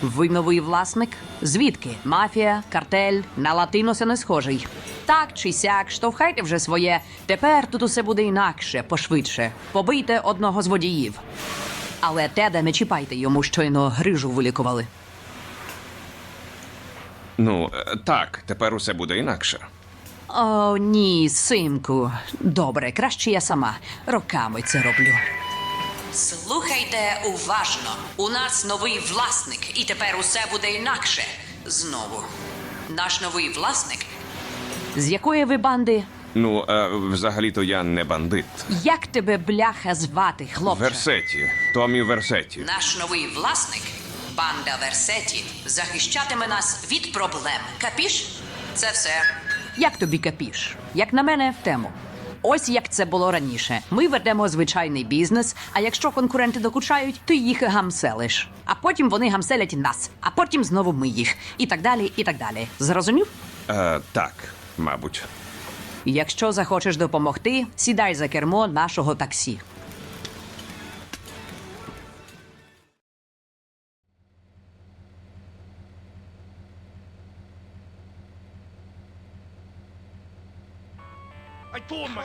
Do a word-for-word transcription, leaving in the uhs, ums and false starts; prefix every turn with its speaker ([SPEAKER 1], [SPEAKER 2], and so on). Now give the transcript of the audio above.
[SPEAKER 1] Ви новий власник? Звідки? Мафія, картель, на латиноса не схожий. Так чи сяк, штовхайте вже своє. Тепер тут усе буде інакше, пошвидше. Побийте одного з водіїв. Але Теда не чіпайте, йому щойно грижу вилікували.
[SPEAKER 2] Ну, е, так, тепер усе буде інакше.
[SPEAKER 1] О, ні, синку. Добре, краще я сама. Роками це роблю. Слухайте уважно. У нас новий власник, і тепер усе буде інакше. Знову. Наш новий власник. З якої ви банди?
[SPEAKER 2] Ну, е, взагалі-то я не бандит.
[SPEAKER 1] Як тебе, бляха, звати, хлопче?
[SPEAKER 2] Версеті. Томі Версеті.
[SPEAKER 1] Наш новий власник, банда Версеті, захищатиме нас від проблем. Капіш? Це все. Як тобі капіш? Як на мене, в тему. Ось як це було раніше. Ми ведемо звичайний бізнес, а якщо конкуренти докучають, ти їх гамселиш. А потім вони гамселять нас, а потім знову ми їх. І так далі, і так далі. Зрозумів?
[SPEAKER 2] Е, так, мабуть.
[SPEAKER 1] Якщо захочеш допомогти, сідай за кермо нашого таксі.
[SPEAKER 3] I thought my